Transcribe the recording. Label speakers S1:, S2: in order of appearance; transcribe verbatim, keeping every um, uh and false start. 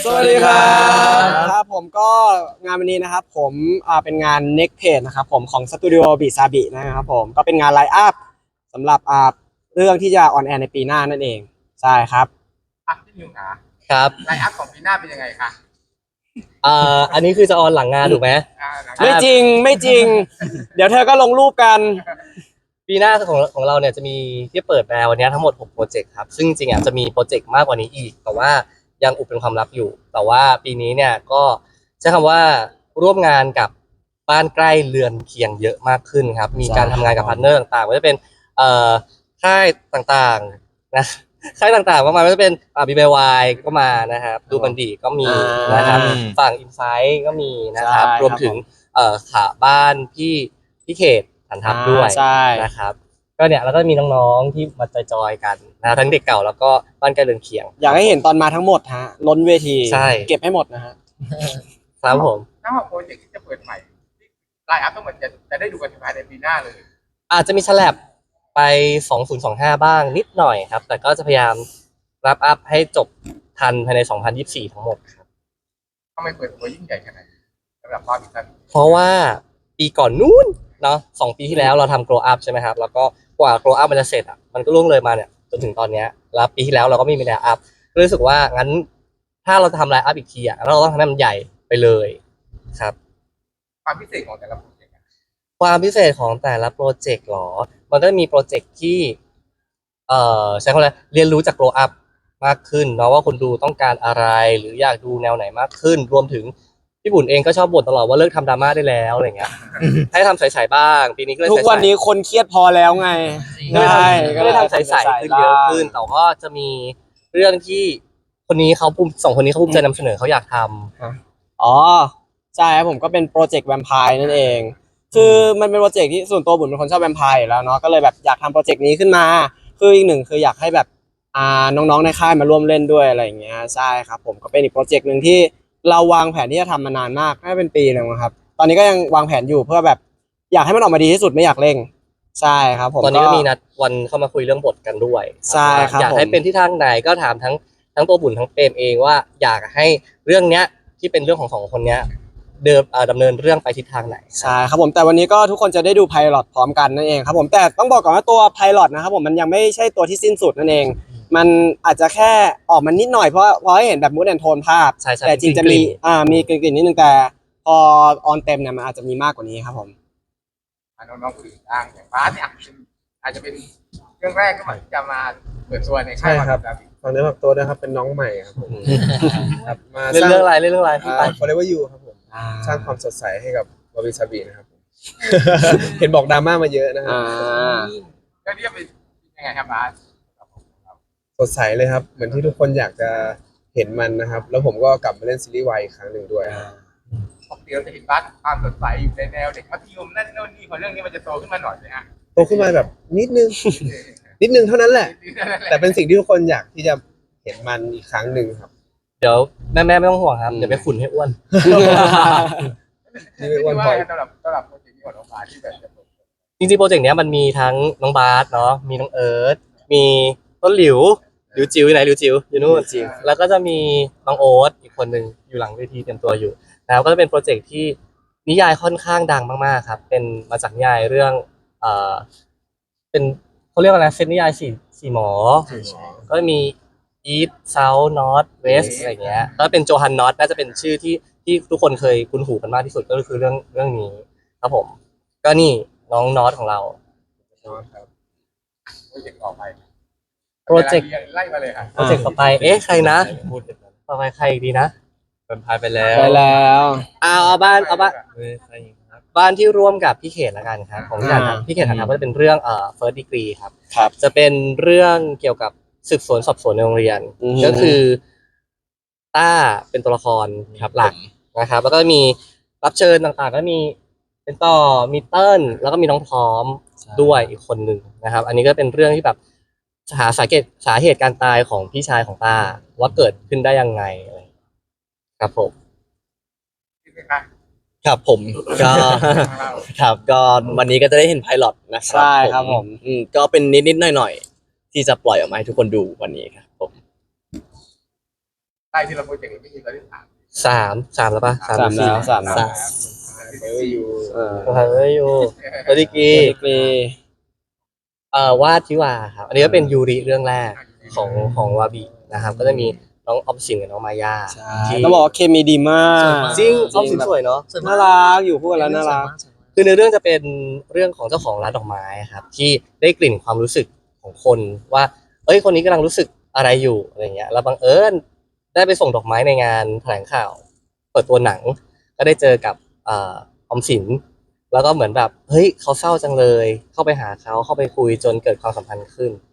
S1: สวัสดีครับครับผมก็งานวันนี้นะครับผมอ่าเป็นงาน Next Page นะครับผมของสตูดิโอบิซาบินะครับผมก็เป็นงานไลฟ์อัพสำหรับอ่าเรื่องที่จะออนแอร์ในปีหน้านั่นเองใช่ครับ
S2: อ่ะพี่นิวขา
S3: ครับ
S2: ไลน์อัพของปีหน้าเป็นยังไงคะ
S3: เอ่ออันนี้คือจะออนหลังงานถูกไหม
S2: อ่าหลัง
S1: ไม่จริงไม่จริง เดี๋ยวเธอก็ลงรูปกัน
S3: ปีหน้าของของเราเนี่ยจะมีที่เปิดมาวันนี้ทั้งหมดหกโปรเจกต์ครับซึ่งจริงๆอ่ะจะมีโปรเจกต์มากกว่านี้อีกแต่ว่ายังอุบเป็นความลับอยู่แต่ว่าปีนี้เนี่ยก็ใช้คำว่าร่วมงานกับบ้านใกล้เรือนเคียงเยอะมากขึ้นครับมีการทำงานกับพาร์ทเนอร์ต่างๆไม่ว่าจะเป็นเอ่อค่ายต่างๆนะค่ายต่างๆมากมายไม่ว่าจะเป็นอ่าบีบีวายก็มานะครับดูบันดีก็มีนะครับฝั่งอินไซต์ก็มีนะครับรวมถึงเอ่อขาบ้านพี่พี่เขตฐานทัพด้วยนะครับก็เนี่ยแล้วก็มีน้องๆที่มาจอยๆกันนะทั้งเด็กเก่าแล้วก็บ้านใกล้เรือนเคียง
S1: อยากให้เห็นตอนมาทั้งหมดฮะล้นเวที
S3: ใช่
S1: เก็บให้หมดนะฮะ
S3: ครับผม
S2: ถ้าว่าโปรเจกต์ที่จะเปิดใหม่ไลน์อัพทั้งหมดจะจะได้ดูกันภายในปีหน้าเลย
S3: อาจจะมีฉลับไปสองพันยี่สิบห้าบ้างนิดหน่อยครับแต่ก็จะพยายามรับอัพให้จบทันภายในสองพันยี่สิบสี่ทั้งหมดครับ
S2: ทำไมเปิดตัวยิ่งใหญ่ขนาดนี้สำหรับรอบอีกครั้ง
S3: เพราะว่าปีก่อนนู้นเนาะสองปีที่แล้วเราทำ grow up ใช่ไหมครับแล้วก็กว่า grow up มันจะเสร็จอ่ะมันก็ล่วงเลยมาเนี่ยจนถึงตอนเนี้ยแล้วปีที่แล้วเราก็ไม่มี line up ก็รู้สึกว่างั้นถ้าเราจะทำ line up อีกทีอ่ะเราต้องทำให้มันใหญ่ไปเลยครับ
S2: ความพิเศษของแต่ละโปรเจกต์อะ
S3: ความพิเศษของแต่ละโปรเจกต์หรอ มันก็จะมีโปรเจกต์ที่เอ่อใช้คำว่าอะไรเรียนรู้จาก grow up มากขึ้นเนาะว่าคนดูต้องการอะไรหรืออยากดูแนวไหนมากขึ้นรวมถึงพี่บุญเองก็ชอบบ่นตลอดว่าเลิกทำดราม่าได้แล้วอะไรเงี้ย ให้ทำใสๆบ้างปีนี้ก็เลย
S1: ทุกวันนี้คนเครียดพอแล้วไง
S3: ก็เลย
S1: ใช่
S3: ทำก็เลยทำใสๆขึ้นเยอะขึ้นแต่ก็จะมีเรื่องที่คนนี้เขาภูมิสองคนนี้เขาภูมิใจนำเสนอเขาอยากทำ
S1: อ๋อใช่ครับผมก็เป็นโปรเจกต์แวมไพร์นั่นเอง คือมันเป็นโปรเจกต์ที่ส่วนตัวบุญเป็นคนชอบแวมไพร์อยู่แล้วเนาะก็เลยแบบอยากทำโปรเจกต์นี้ขึ้นมาคืออีกหนึ่งคืออยากให้แบบอ่าน้องๆในค่ายมาร่วมเล่นด้วยอะไรอย่างเงี้ยใช่ครับผมก็เป็นอีกโปรเจกต์หนึ่งที่เราวางแผนที่จะทำมานานมากน่าจะเป็นปีนึงครับตอนนี้ก็ยังวางแผนอยู่เพื่อแบบอยากให้มันออกมาดีที่สุดไม่อยากเร่งใช่ครับผม
S3: ตอนนี้ก็มีนัดวันเข้ามาคุยเรื่องบทกันด้วย
S1: ใช่ครับ
S3: อยากให้เป็นที่ทางไหนก็ถามทั้งทั้งตัวบุญทั้งเปรมเองว่าอยากให้เรื่องเนี้ยที่เป็นเรื่องของสองคนเนี้ยเดิมดำเนินเรื่องไปทิศทางไหน
S1: ใช่ครับผมแต่วันนี้ก็ทุกคนจะได้ดูไพลอตพร้อมกันนั่นเองครับผมแต่ต้องบอกก่อนว่าตัวไพลอตนะครับผมมันยังไม่ใช่ตัวที่สิ้นสุดนั่นเองมันอาจจะแค่ออกมานิดหน่อยเพราะเพราะให้เห็นแบบมูดแอนโทนภาพ
S3: ใช่ใช่
S1: แต่จริงจะ
S3: กลิ่
S1: มี
S3: น
S1: อ่ามีกลิ่นๆนิดนึงแต่พอออนเต็มเนี่ยมันอาจจะมีมากกว่านี้ครับผม
S2: อ่ะน้องๆคนอื่นบ้างอย่างฟ้าเนี่ยเป็นอาจจะเป็นเรื่องแรกก็เหมือนที่จะมาเปิดตัวในค่าย
S4: ใช่ครับ
S2: วาบิ
S4: ตอนนี้แบบตัวนะครับเป็นน้องใหม่ครับผมครับมา
S3: เล่น
S4: สร้าง
S3: เรื่องอะไรเล่นเรื่องอะไรพี่ไป
S4: อ่า Forever You ครับผม
S1: อ่า
S4: สร้างความสดใสให้กับวาบิซาบินะครับผม เห็นบอกดราม่ามาเยอะนะครั
S1: อ่
S4: บ
S1: า
S2: ก็เรียกเป็นยังไงครับฟ้า
S4: สดใสเลยครับ เหมือนที่ทุกคนอยากจะเห็นมันนะครับ แล้วผมก็กลับมาเล่นซีรีส์วายอีกครั้งหนึ่งด้วยครับ
S2: ปกติเราจะเห็นบ้านความสดใสอยู่ในแนวเด็กมัธยมนั่นโน่นนี่พอเรื่องนี้มันจะโตขึ้นมาหน่อยเลยฮะ
S4: โตขึ้นมาแบบนิดนึง นิดนึงเท่านั้นแหละ แต่เป็นสิ่งที่ทุกคนอยากที่จะเห็นมันอีกครั้งหนึ่งครับ
S3: เดี๋ยวแม่แม่ๆไม่ต้องห่วงครับเดี๋ยวไปขุนให้อ้วน
S4: นี่เป็น
S2: วั
S4: วัน น
S2: พ
S4: พ
S2: อ
S4: อย
S2: สำหรับสำหรับโปรเจกต์นี้ของน้องฟ้าที่แบบจะเปิด
S3: จริงๆโปรเจกต์เนี้ยมันมีทั้งน้องบาสเนาะมีน้องเอิร์ธมีต้นหลิวหลิวจิ๋วอยู่ไหนหลิวจิ๋วอยู่นู่นจิ๋วแล้วก็จะมีน้องโอ๊ตอีกคนหนึ่งอยู่หลังเวทีเตรียมตัวอยู่แล้วก็จะเป็นโปรเจกต์ที่นิยายค่อนข้างดังมากๆครับเป็นมาจากนิยายเรื่องเอ่อเป็นเขาเรียกว่าอะไรเซตนิยายสี่สี่หมอ ก็มี East South North West อะไรเงี้ยแล้วเป็นโจฮันนอตน่าจะเป็นชื่อที่ที่ทุกคนเคยคุ้นหูกันมากที่สุดก็คือเรื่องเรื่องนี้ครับผมก็นี่น้องนอตของเรา
S2: โปรเจกต์ต่อไป
S3: โปรเจกต์
S2: ไล่มาเลยค่ะ
S3: โปรเจกต์ต่อไป เอ๊ะ ใครนะ ต่อไปใครอีกดีนะเป็นพายไปแล้ว
S1: ไปแล้ว
S3: เอาเอาบ้าน เอาบ้าน บ้านที่ร่วมกับพี่เขตละกันครับ ของพี่
S1: อ่า
S3: ฐานพี่เขตฐานก็จะเป็นเรื่องเอ่อ first degree ครับ
S1: ครับ
S3: จะเป็นเรื่องเกี่ยวกับสืบสวนสอบสวนในโรงเรียน
S1: อือฮึ
S3: ก็คือต้าเป็นตัวละครครับหลักนะครับ แล้วก็มีรับเชิญต่างๆ ก็มีเป็นต่อมีเติ้ลแล้วก็มีน้องพร้อมด้วยอีกคนหนึ่งนะครับ อันนี้ก็เป็นเรื่องที่แบบหาสาเหตุสาเหตุการตายของพี่ชายของต้าว่าเกิดขึ้นได้ยังไงอะไรครับผม
S2: ที่เป็นค่ะ
S5: ครับผมก็
S2: ของเรา
S5: ครับก็วันนี้ก็จะได้เห็นไพลอตนะครั
S1: ใช่ครับผม
S5: อืมก็เป็นนิดๆหน่อยๆที่จะปล่อยออกมาให้ทุกคนดูวันนี้ครับผม
S2: ไลล่ที่เราโปรเจกต์นี้ไม่มีตอนที่สาม
S3: สามสามแล้วปะ
S1: สามแล้วสามแล้ว
S3: สาม
S4: เอออยู่
S1: เออ
S3: เฮ้ยอยู่ตัวดีกี
S1: ดีกรี
S3: เอ่อวาดทิวาครับอันนี้ก็เป็นยูริเรื่องแรกของของวาบินะครับ ก็จะมีน้องออมสินกับน้องมายา
S1: ใช่
S3: ที่
S1: ต้องบอกว่าเคมีดีมาก
S3: จริงออมสินสวยเนาะ
S1: น่ารักอยู่คู่กันแล้วน่ารัก
S3: คือในเรื่องจะเป็นเรื่องของเจ้าของร้านดอกไม้ครับ ที่ได้กลิ่นความรู้สึกของคนว่า เอ้ยคนนี้กำลังรู้สึกอะไรอยู่อะไรเงี้ยแล้วบังเอิญได้ไปส่งดอกไม้ในงานแถลงข่าว เปิดตัวหนัง ก็ได้เจอกับเอ่อออมสิน แล้วก็เหมือนแบบเฮ้ยเขาเศร้าจังเลย เข้าไปหาเขาเข้าไปคุยจนเกิดความสัมพันธ์ขึ้น